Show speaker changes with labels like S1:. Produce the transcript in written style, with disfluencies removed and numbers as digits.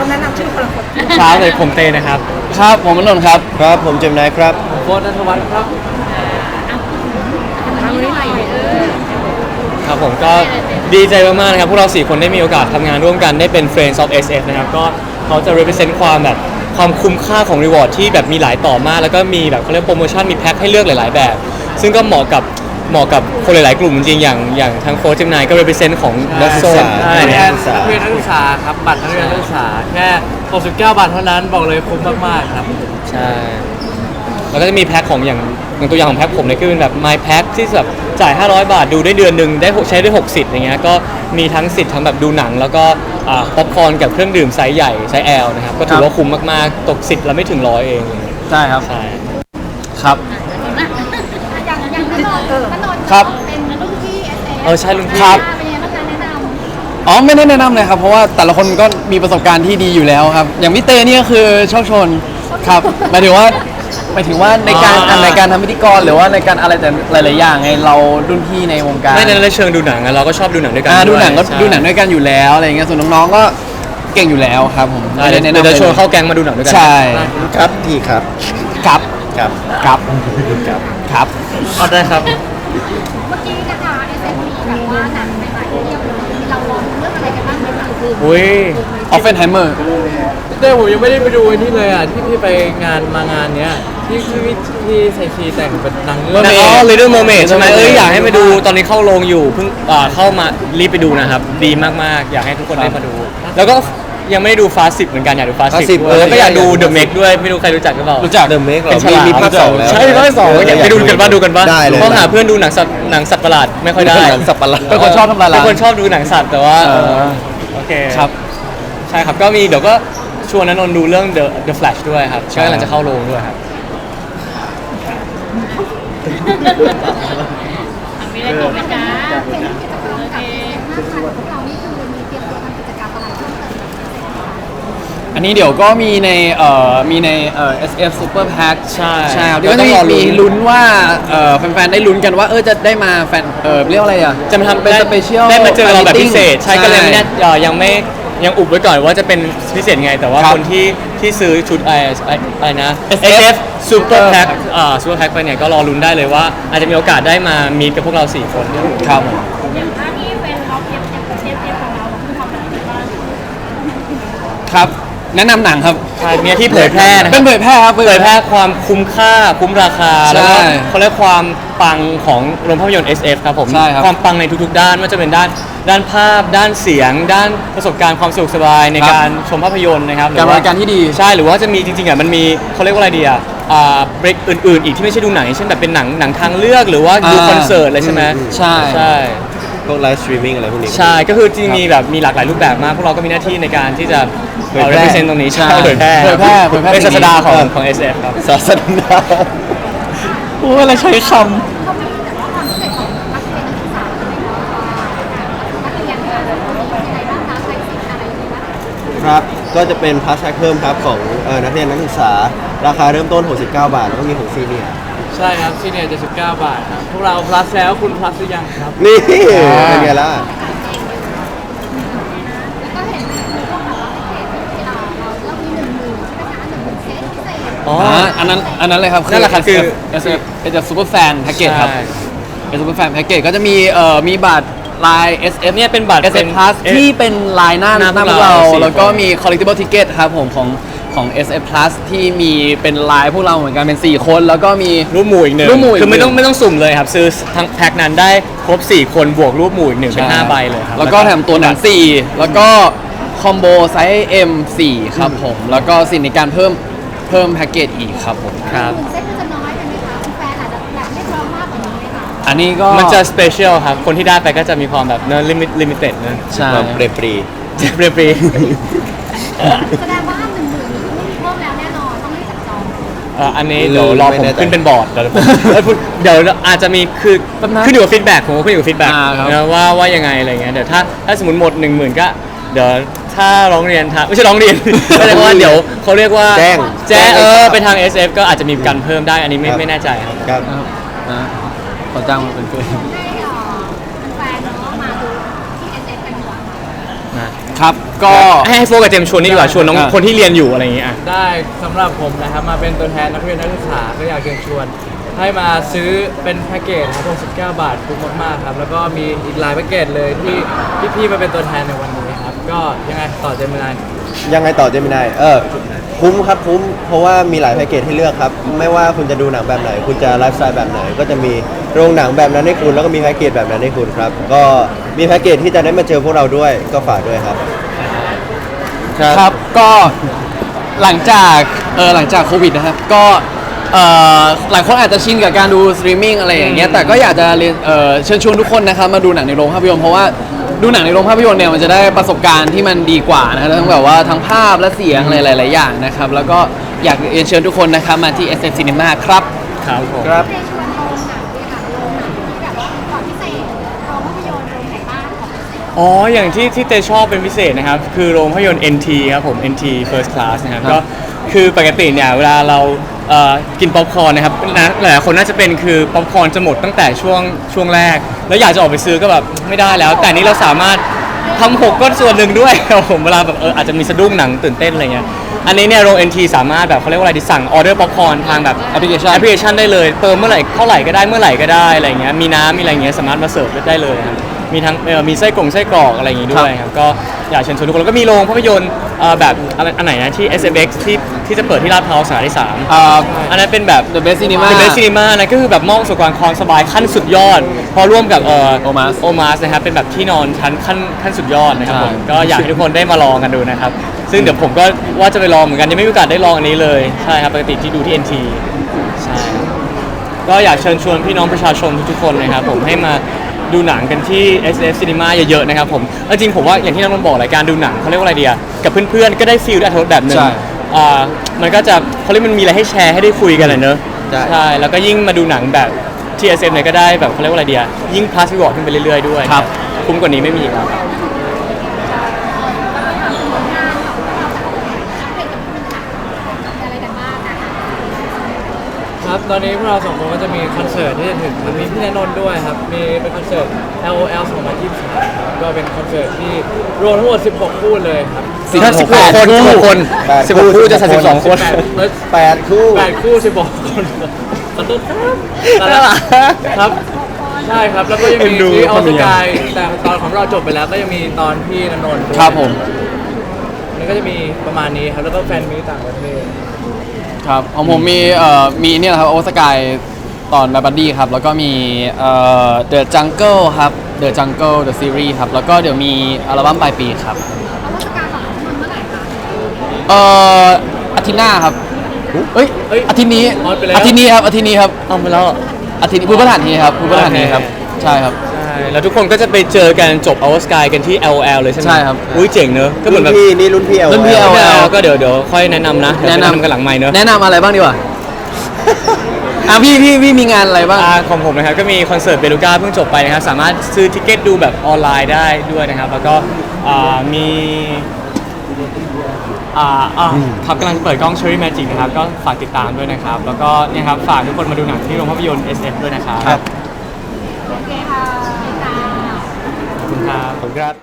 S1: ต้องแนะนำชื่อคนละคน
S2: ครับเลยผมเตนะครับ
S3: ครับผมนนท์ครับ
S4: ครับผมเจมส์นายครับ
S3: โฟร์นัทวัฒน์ครับ
S1: ทางนี้ใหม่
S2: ครับผมก็ดีใจมากๆนะครับพวกเรา4คนได้มีโอกาสทำงานร่วมกันได้เป็น Friends of SF นะครับก็เขาจะ represent ความแบบความคุ้มค่าของ reward ที่แบบมีหลายต่อมากแล้วก็มีแบบเขาเรียกโปรโมชั่นมีแพ็คให้เลือกหลายๆแบบ ซึ่งก็เหมาะกับคนหลายๆกลุ่มจริงๆอย่างทางโค้ชเจมนายก็ represent ของ
S4: นักศึกษา
S2: ใช่
S3: นักเรียนนักศึกษาครับบัตรนักเรียนนักศึกษาแค่69 บาทเท่านั้นบอกเลยคุ้มมากๆครับ
S2: ใช่แล้วก็จะมีแพ็คของอย่างตัวอย่างของแพ็คผมเนี่ยคือเป็นแบบ My Pack ที่แบบจ่าย 500 บาทดูได้เดือนหนึ่งได้ใช้ได้6สิทธิ์อย่างเงี้ยก็มีทั้งสิทธิ์ทั้งแบบดูหนัง แล้วก็ป๊อปคอร์นกับเครื่องดื่มไซส์ใหญ่ไซส์ L นะครับก็ถือว่าคุ้มมากๆตกสิทธิ์ละไม่ถึง100เอง
S3: ใช่ครับ
S2: ใช่
S3: ครับ
S1: อย่างนันนนท์
S3: ครับ
S1: เป็นรุ่นพี่
S2: ใช่ลุงพี่
S3: ครับ
S1: เป็นยังไงบ้างคะแนะนำ
S3: อ๋อไม่ได้แนะนำเลยครับเพราะว่าแต่ละคนก็มีประสบการณ์ที่ดีอยู่แล้วครับ อย่างพี่เต้เนี่ยคือโชคชนครับหมายถึงว่าในการทำพิธีกรหรือว่าในการอะไรแต่หลายๆอย่างไงเรารุ่นพี่ในวงการ
S2: ไม่ในเชิงดูหนังอะเราก็ชอบดูหนังด้วยกัน
S3: ดูหนังก็
S2: ใช่
S3: ดูหนังด้วยกันอยู่แล้วอะไรเงี้ยส่วนน้องๆก็เก่งอยู่แล้วครับผม
S2: ใช่เดี๋ยวจะชวนเข้าแก๊งมาดูหนังด้วยกั
S3: ใช่
S4: ครับพี่ครับ
S3: ครับ
S4: ครับ
S3: ครับ
S4: ครับ
S3: ครับ
S2: เอาได้ครับ
S1: เมื่อกี้นะคะ SME แบบว่าหนังใหม่ๆเทียบเลยเราลองเรื่องอะไรกันบ้างไหมคะคือ
S2: อุ้ย
S3: ออฟเฟนไฮเมอร์เต้ผมยังไม่ได้ไปดูไอ้นี่เลยอ่ะที่ไปมางานเนี้ยที่ไซชีแต่งเป็นนางเงือก
S2: อ๋อ Little Mermaid ใช่ไหม
S3: Little Mermaid
S2: อยากให้มาดูตอนนี้เข้าโรงอยู่เพิ่งเข้ามารีบไปดูนะครับ ดีมากๆ อยากให้ทุกคนได้มาดู แล้วก็ยังไม่ได้ดู Fast 10เหมือนกันอยากดู Fast
S4: Fast
S2: 10
S4: 10
S2: ด้วยแล้วก็อยากดู
S4: อยากดู
S2: The Meg ด้วยไม่รู้ใครรู้จักหรือเปล่า
S3: รู้จัก
S4: เดอะเมกเหร
S2: เป็
S4: อน
S2: ฉลาม
S4: มีภาคสองแล้ว
S2: ใช่ภาคสองอยากไปดูกันบ้างดูกันบ้าง
S4: ได้เลย
S2: เพราะหาเพื่อนดูหนังสัตว์ประหลาดไม่ค่อยได้
S4: หนังสับปะรด
S3: เป็นคนชอบทำลายล้าง
S2: เป็นคนชอบดูหนังสัตว์แต่ว่าโอเค
S3: ครับ
S2: ใช่ครับก็มีเดี๋ยวก็ชวนณนนท์ดูเรื่อง The Flash ด้วยครับ
S3: ใช่
S2: ก็กำลังจะเข้าโรงด้วยครับ
S1: มีอะไรบอกไหมจ๊ะเป็นกิจกรรมกับหน้าตาของพวกเรานี่คือมีเตรียมตัวทำกิจกรรมอะไรเพิ่มเติมไหม
S3: อันนี้เดี๋ยวก็มีในSF Super Pack
S2: ใช่
S3: ใช่ครับ
S2: เดี๋ยว
S3: ก็จะ
S2: ต้องรอลุ้
S3: มี
S2: น
S3: ลุ้นว่าแฟนๆได้ลุ้นกันว่าจะได้มาแฟนเรียกว่าอะไรอ่ะ
S2: จะมาทำ
S3: เป็นสเปเชียล
S2: ได้มาเจอเราแบบพิเศษ ใช่
S3: ใช่
S2: ก็เลยไม่แน่ยังอุบไว้ก่อนว่าจะเป็นพิเศษไง แต่ว่า
S3: ครับ
S2: คนที่ซื้อชุดอะไรนะ
S3: SF
S2: SF Super Pack Super Pack ไปเนี่ยก็รอลุ้นได้เลยว่าอาจจะมีโอกาสได้มามีกับพวกเรา4 คน
S3: ครับ
S1: อย่างถ้าที่เป็นออฟเอฟของเราคือทำอะไรบ้าง
S3: ครับ แนะนำหนังครับ
S2: ใช่เนี่ยที่เผยแพร่นะค
S3: เป็
S2: รั
S3: น
S2: บ
S3: เผยแพร่ครับ
S2: เผยแพร่ความคุ้มค่าคุ้มราคา
S3: ใช่
S2: แล้วก็เขาเรียกความปังของโรงภาพยนตร์ SF ครับผม
S3: ใช่ครับ
S2: ความปังในทุกๆด้านไม่ว่าจะเป็นด้านภาพ ด้านเสียง ด้านประสบการณ์ความสะดวกสบายใน
S3: ครับ
S2: การชมภาพยนตร์นะครับห
S3: การบ
S2: ว่า
S3: ริการที่ดี
S2: ใช่หรือว่าจะมีจริงๆอ่ะมันมีเขาเรียกว่าอะไรดีอ่ะเบรกอื่นๆ อีกที่ไม่ใช่ดูหนังเช่นแบบเป็นหนังทางเลือกหรือว่าดูคอนเสิร์ตอะไรใช่ไหม
S3: ใช่
S2: ใช่
S4: พวกไลฟ์สตรีมมิ่งอะไรพวกนี้
S2: ใช่ก็คือจริงๆมีแบบมีหลากหลายรูปแบบมากพวกเราก็มีหน้าที่ในการที่จะ
S4: เผยแพร่
S2: represent ตรงนี้ใช่
S3: ใช่
S2: เผยแพร่
S3: เผยแพร่
S2: เป็นศาสดาของ
S3: สิ่งนี้
S2: ของ SF ครับ
S4: ศาสนา
S3: โอ้อะไรใช้ค
S1: เขามีแต่ว่าความพิเศษของนักเรียนนักศึกษาใช่ไหมคะนักเรียนเนี่ยมีอะไรบ้างคะใช้สิทธิ์อะไรบ้าง
S4: ครับ ก็จะเป็นพาสแท็กเพิ่มครับของนักเรียนนักศึกษา ราคาเริ่มต้น 69 บาท แล้วก็มีของซีเนียร์
S3: ใช่ครับซีเนียร์79 บาทครับพวกเรา plus แล้วคุณ plus หรือยังครับ
S4: นี่เป็นไงล่ะ
S1: แล้วก็เห็นมีพวกแบบว่าพิเศษที่เรามี10,000ใช่ไหมคะ10,000เซตพิเศษ
S2: อ๋อ
S3: อันนั้นเลยครับ
S2: นั่นแหละครับคือ
S3: SF เป็นซูเปอร์แฟนแพ็กเกจครับ
S2: ใช่
S3: เป็นซูเปอร์แฟนแพ็กเกจก็จะมีบัตรลาย SF
S2: เนี่ยเป็นบัตร
S3: SF Plus ที่เป็นลายหน้า
S2: หน้า
S3: พวก
S2: พวกเรา
S3: เรา
S2: 4
S3: แล้วก็
S2: คน
S3: มี collectible ticket ครับผมของ SF Plus ที่มีเป็นลายพวกเราเหมือนกันเป็น 4 คนแล้วก็มี
S2: รูปหมู่อีกหนึ่ง
S3: รูปหมู่อีก
S2: คือไม่
S3: หนึ่ง
S2: ต้องสุ่มเลยครับ ซื้อทั้งแพ็คนั้นได้ครบ 4 คนบวกรูปหมู่อีกหนึ่งเป็น 5 ใบเลยครับ
S3: แล้วก็แถมตัวหนัง 4 แล้วก็คอมโบไซส์ M4 ครับผม แล้วก็สิ่งในการเพิ่มแพ็กเกจอีกครับผม
S2: ครับ
S1: เซตมันจะน้อยไปไหมคะแฟนอาจจะแบบเรียกร้องมากกว่านี้ไหมคะ
S3: อันนี้ก็
S2: มันจะสเปเชียลครับ คนที่ได้ไปก็จะมีความแบบเนอะลิมิเต็ดเนอะ
S3: ใช่
S4: แบบเปรปรี
S2: เรียบรี
S1: แสดงว่า10,000นี้ไม่มีเพิ่มแล้วแน่นอนต้องรีบจับจอง
S2: อันนี้เดี๋ยวรอผมขึ้นเป็นบอร์ดเดี๋ยวอาจจะมีคือขึ้นอยู่กับฟีดแบ็กผมก็ขึ้นอยู่กับฟีดแบ็ก
S3: ครับ
S2: นะว่ายังไงอะไรเงี้ยเดี๋ยวถ้าสมมติหมด 10,000ก็เดี๋ยวถ้าร้องเรียนไม่ใช่ร้องเรียน ก็เรียกว่าเดี๋ยวเขาเรียกว่า
S4: แจ้ง
S2: ไปทาง SF ก็อาจจะมีการเพิ่มได้อันนี้ไม่แน่ใจครับ
S4: ครับ
S3: นะขอจ้างมาเป็นเพื่อน
S1: ให้แฟนๆเนาะมาดูที่ SF กันดีกว่า
S2: นะ
S3: คครับก็
S2: ให้โฟกับเจมส์ชวนนี่ดีกว่าชวนน้องคนที่เรียนอยู่อะไรอย่างเงี้ยอ่ะ
S5: ได้สำหรับผมนะครับมาเป็นตัวแทนนักเรียนนักศึกษาก็อยากเชิญชวน ให้มาซื้อเป็นแพ็กเกจครับ69 บาทคุ้มมากๆครับแล้วก็มีอีกหลายแพ็กเกจเลยที่พี่ๆมาเป็นตัวแทนในวันนี้ครับก็ยังไงต่อเจมินาย
S4: ยังไงต่อเจมินายคุ้มครับคุ้มเพราะว่ามีหลายแพ็กเกจให้เลือกครับ ไม่ว่าคุณจะดูหนังแบบไหน คุณจะไลฟ์สไตล์แบบไหน ก็จะมีโรงหนังแบบนั้นให้คุณ แล้วก็มีแพ็กเกจแบบนั้นให้คุณครับ ก็มีแพ็กเกจที่จะได้มาเจอพวกเราด้วยก็ฝากด้วยครับ
S3: ครับก็หลังจากโควิดนะครับก็หลายคนอาจจะชินกับการดูสตรีมมิ่งอะไรอย่างเงี้ยแต่ก็อยากจะเชิญชวนทุกคนนะครับมาดูหนังในโรงภาพยนตร์เพราะว่าดูหนังในโรงภาพยนตร์เนี่ยมันจะได้ประสบการณ์ที่มันดีกว่านะครับทั้งแบบว่าทั้งภาพและเสียงอะไรหลายๆอย่างนะครับแล้วก็อยากเรียนเชิญทุกคนนะครับมาที่ SF Cinema ครับ
S2: ครับผม
S4: ครับ
S1: ในชวนโรงหนังเนี่ยค่ะโรงหนังที่แบบว่าความพิเศษโรงภาพยนตร์โรงไหนบ้างของพิเศษ
S2: อ๋ออย่างที่เตชอบเป็นพิเศษนะครับคือโรงภาพยนตร์ NT ครับผม NT First Class นะครับก็คือปกติเนี่ยเวลาเรากินป๊อปคอร์นนะครับหลายๆคนน่าจะเป็นคือป๊อปคอร์นจะหมดตั้งแต่ช่วงแรก แล้วอยากจะออกไปซื้อก็แบบไม่ได้แล้ว แต่นี้เราสามารถทำหกก็ส่วนหนึ่งด้วยครับผมเวลาแบบอาจจะมีสะดุ้งหนังตื่นเต้นอะไรเงี้ยอันนี้เนี่ยโรง NT สามารถแบบเขาเรียกว่าอะไรดิสั่งออเดอร์ป๊อปคอร์นทางแบบแอปพลิเคชันได้เลยเติมเมื่อไหร่เท่าไหร่ก็ได้เมื่อไหร่ก็ได้อะไรเงี้ยมีน้ำมีอะไรเงี้ยสามารถมาเสิร์ฟได้เลยครับมีทั้งมีไส้กรอกอะไรอย่างงี้ด้วยครับก็อยากเชิญชวนทุกคนแล้วก็มีโรงภาพยนตร์แบบอันไหนนะที่ SFX ที่จะเปิดที่ลาดพร้าวสาขาที่3อันนั้นเป็นแบบ
S3: The Best Cinema
S2: The Best Cinema นะก็คือแบบมอบประสบการณ์ความสบายขั้นสุดยอด พอร่วมกับOmas นะครับเป็นแบบที่นอนชั้นขั้นสุดยอดนะครับผมก็อยากให้ทุกคนได้มาลองกันดูนะครับซึ่งเดี๋ยวผมก็ว่าจะไปลองเหมือนกันยังไม่มีโอกาสได้ลองอันนี้เลยใช่ครับปกติที่ดูที่ NT ใช่ก็อยากเชิญชวนพี่น้องประชาชนทุกๆคนนะครับผมให้มาดูหนังกันที่ SF Cinema เยอะๆนะครับผมจริงผมว่าอย่างที่น้องนนท์บอกรายการดูหนังเขาเรียกว่าอะไรดีอะกับเพื่อนๆก็ได้ฟีลได้อรรถรสแบบหนึงมันก็จะเขาเรียกมันมีอะไรให้แชร์ให้ได้คุยกันเลยเนอะใช่แล้วก็ยิ่งมาดูหนังแบบที่ SF เนี่ยก็ได้แบบเขาเรียกว่าอะไรดีอะยิ่งพาสรีวอร์ดขึ้นไปเรื่อยๆด้วยครับคุ้มกว่านี้ไม่มีอีกแล้ว
S1: อะไรกันบ้างนะคะ
S5: ครับตอนนี้พวกเราสองคนก็จะมีคอนเสิร์ตที่จะถึงครับมีพี่ณนนท์ด้วยครับมีเป็นคอนเสิร์ต LOL 2023ครับก็เป็นคอนเสิร์ตที่รวมทั้งหมด 16 คู่เลยครับ
S2: 16 คน16 คู่จะ32 คน
S4: 8 คู่
S5: 8 คู่16 คนขอโทษครับครับใช่ครับแล้วก็ยัง
S2: เอ็
S5: มี
S2: นดู
S5: ที่ออ
S2: คน
S5: ส
S2: นี้
S5: กายแต่ตอนของเราจบไปแล้วก็ยังมีตอนพี่ณนนท์ด้วย
S3: ครับผม
S5: แล้วก็จะมีประมาณนี้ครับแล้วก็แฟนมีต่างประเทศ
S3: ครับของผมมีเนี่ยนะครับโอสกายตอนแบบบัดดี้ครับแล้วก็มีThe Jungle ครับ The Jungle The Series ครับแล้วก็เดี๋ยวมีอัลบั้มปลายปีครับ
S1: เอาวัตการของมันเมื่อไหร่คะ
S3: อาทิตย์หน้าครับเอ้ย
S5: เอ้ย
S3: อาทิตย์นี้
S5: ออนไปแล้ว
S3: อาทิตย์นี้ครับอาทิตย์นี้ครับ
S2: เอาไปแล้ว
S3: อาทิตย์พุธพฤหัสนี้ครับพุธพฤหัสนี้ครับ
S2: โอเค
S3: ใช่ครับ
S2: ใช่แล้วทุกคนก็จะไปเจอกันจบ Our Sky กันที่ LL เลยใช่ไหม
S3: ใช่ครับ
S2: อุ้ยเจ๋งเนอะก็เหมื
S4: รุ่
S2: อน
S4: น
S2: แบบ
S4: พี่นี่รุ่นพี่
S3: รุ่นพี่
S4: LOL
S3: LOL
S2: ก็เดี๋ยวค่อยแนะนำนะเดี๋ยวแนะนำกันหลังไมค์เนอะ
S3: แนะนำอะไรบ้างดีกว่าพี่มีงานอะไรบ้าง
S2: ของผมนะครับก็มีคอนเสิร์ตเบลูก้าเพิ่งจบไปนะครับสามารถซื้อทิเก็ตดูแบบออนไลน์ได้ด้วยนะครับแล้วก็มีครับกำลังเปิดกล้อง Cherry Magic นะครับก็ฝากติดตามด้วยนะครับแล้วก็เนี่ยครับฝากทุกคนมาดูหนังที่โรงภาพยนตร์ SF ด้วยนะครับ
S4: ครับ
S1: โอเคค่ะ
S2: ขอบคุณครับ
S4: ขอบคุณครับ